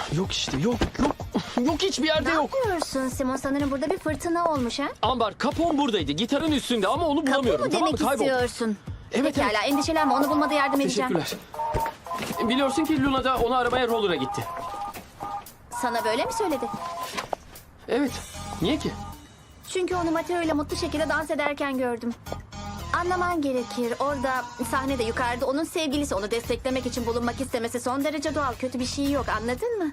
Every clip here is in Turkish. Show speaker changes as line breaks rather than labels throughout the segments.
Yok işte, yok. Yok, hiçbir yerde
Ne
yok.
yapıyorsun Simon? Sanırım burada bir fırtına olmuş ha?
Ambar, kapon buradaydı. Gitarın üstünde ama onu
Kapı
bulamıyorum.
mı
Tamam mı?
demek
Kayboldu.
istiyorsun?
Evet,
Pekala,
evet.
endişelenme, onu bulmada yardım edeceğim.
Teşekkürler. Biliyorsun ki Luna da onu aramaya roller'a gitti.
Sana böyle mi söyledi?
Evet. Niye ki?
Çünkü onu Mateo ile mutlu şekilde dans ederken gördüm. Anlaman gerekir. Orada sahnede yukarıda onun sevgilisi onu desteklemek için bulunmak istemesi son derece doğal. Kötü bir şey yok, anladın mı?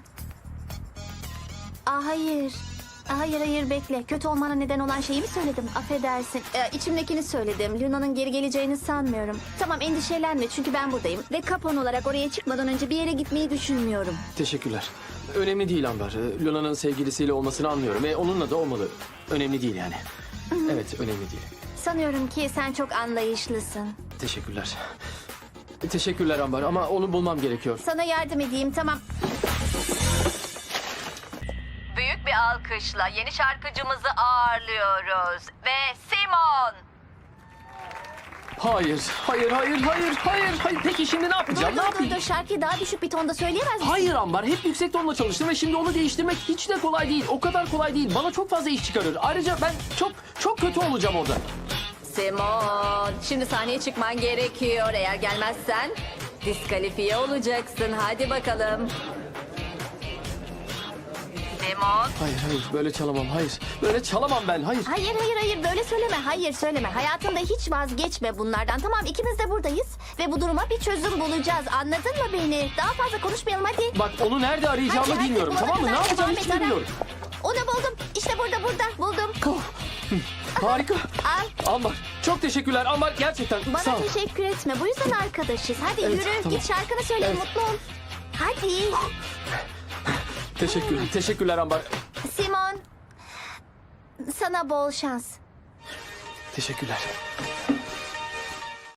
Hayır. Hayır bekle. Kötü olmana neden olan şeyi mi söyledim? Affedersin. İçimdekini söyledim. Luna'nın geri geleceğini sanmıyorum. Tamam, endişelenme çünkü ben buradayım. Ve kapon olarak oraya çıkmadan önce bir yere gitmeyi düşünmüyorum.
Teşekkürler. Önemli değil Ambar. Luna'nın sevgilisiyle olmasını anlıyorum. Onunla da olmalı. Önemli değil yani. Evet, önemli değil.
Sanıyorum ki sen çok anlayışlısın.
Teşekkürler. Teşekkürler Ambar ama onu bulmam gerekiyor.
Sana yardım edeyim, tamam.
Büyük bir alkışla yeni şarkıcımızı ağırlıyoruz. Ve Simon.
Hayır. Peki şimdi ne yapacağım? Ne yapayım?
Dur, şarkıyı daha düşük bir tonda söyleyemez misin?
Hayır Ambar, hep yüksek tonla çalıştım ve şimdi onu değiştirmek hiç de kolay değil. O kadar kolay değil. Bana çok fazla iş çıkarır. Ayrıca ben çok kötü olacağım orada.
Simon, şimdi sahneye çıkman gerekiyor. Eğer gelmezsen diskalifiye olacaksın. Hadi bakalım. Simon.
Hayır, böyle çalamam. Hayır, böyle çalamam ben. Hayır.
Hayır, böyle söyleme. Hayır, söyleme. Hayatında hiç vazgeçme bunlardan. Tamam, ikimiz de buradayız. Ve bu duruma bir çözüm bulacağız. Anladın mı beni? Daha fazla konuşmayalım, hadi.
Bak, onu nerede arayacağımı
Hadi,
bilmiyorum,
bulana
tamam mı? Ne
kadar
yapacağımı
devam
hiç
et, ara.
bilmiyorum.
Onu buldum. İşte burada, buldum.
Harika.
Al.
Ambar, çok teşekkürler. Ambar, gerçekten
Bana
sağ ol.
teşekkür etme. Bu yüzden arkadaşız. Hadi
Evet,
yürü,
tamam.
git şarkını söyle,
Evet.
mutlu ol. Hadi.
Teşekkürler Ambar.
Simon, sana bol şans.
Teşekkürler.